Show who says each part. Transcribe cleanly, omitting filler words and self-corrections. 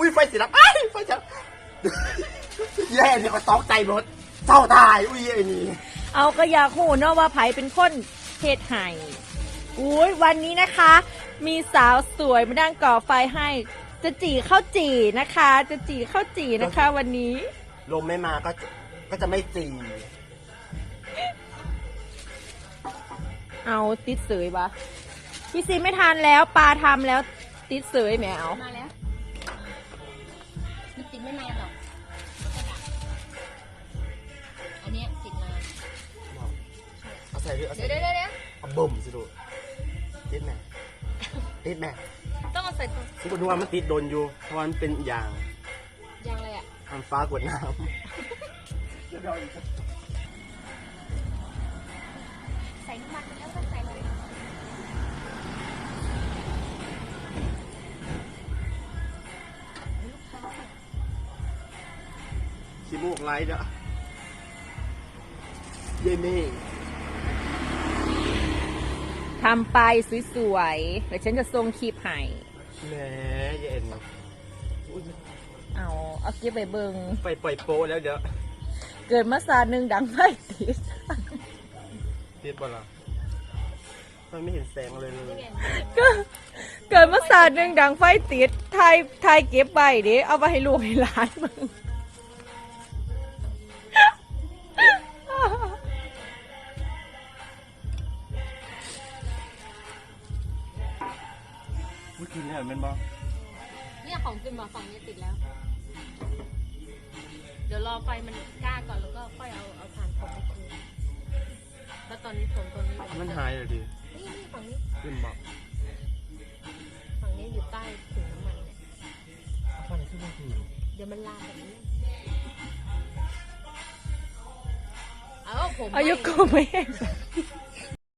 Speaker 1: อุ้ยไฟสีดำไอ้ไฟจะแย่เนี่ยก็ตอกใจหมดเจ้าตายอุ้ยไอ้นี่
Speaker 2: เอาก็อยากหูเนาะว่าไผเป็นคนเฮ็ดให้อุ้ยวันนี้นะคะ มีสาวสวยมานั่งก่อไฟให้จะจี่ข้าวจี่นะคะ จะจี่ข้าวจี่นะคะ วันนี้
Speaker 1: ลมไม่มาก็จะไม่จี
Speaker 2: เอาติดเสยปะพี่ซีไม่ทานแล้วปลาทำแล้วติดเสยแมว
Speaker 3: มาแล้วมันติดไม่นานหรอกอันนี้ติดนาน
Speaker 1: เอาใส่ด้วยเอาใส่
Speaker 3: เดี๋ยว
Speaker 1: เอาบ่มสิดูติดแม่ติดแม่
Speaker 3: ต้องเอาใส่ตัว
Speaker 1: คุณดูว่ามันติดโดนอยู่เพราะมันเป็นยาง
Speaker 3: อะไรอ่ะ
Speaker 1: มันฟ้ากวดน้ำ
Speaker 3: ใส่น้ำมันแล้วก็ใส่เลย
Speaker 1: ขี้มูกไหลเด้อเย่นี่
Speaker 2: ทำไปสวยๆเดี๋ยวฉันจะส่งคลิปให้
Speaker 1: แหมเย็น
Speaker 2: เอาเก็บไปเบิง
Speaker 1: ไปปล่อยโปแล้วเดี๋ยว
Speaker 2: เกิดมาสาหนึ่งดังไฟติด
Speaker 1: บ่ล่ะมันไม่เห็นแสงเลย
Speaker 2: เกิดมาสาหนึ่งดังไฟติดไทยเก็บไปดิเอาไปให้ลูกให้หลานมึง
Speaker 1: พูดกินเนี่ยมันบอก
Speaker 3: เนี่ยของกินบอกฝั่งนี้ติดแล้วเดี๋ยวรอไฟมันกล้าก่อนแล้วก็ค่อยเอาถ่านผมไปคืนแล้วตอนนี้ผมตัวนี้
Speaker 1: มันหายเลยดิ
Speaker 3: นี่ฝั่งนี้
Speaker 1: ขึ้นบอก
Speaker 3: ฝั่งนี้อยู่ใต้ถุงน้ำมันเนี่ย
Speaker 1: ฟันขึ้นมาถึง
Speaker 3: เดี๋ยวมันลามแบบนี้ผม
Speaker 2: อายุกูไม่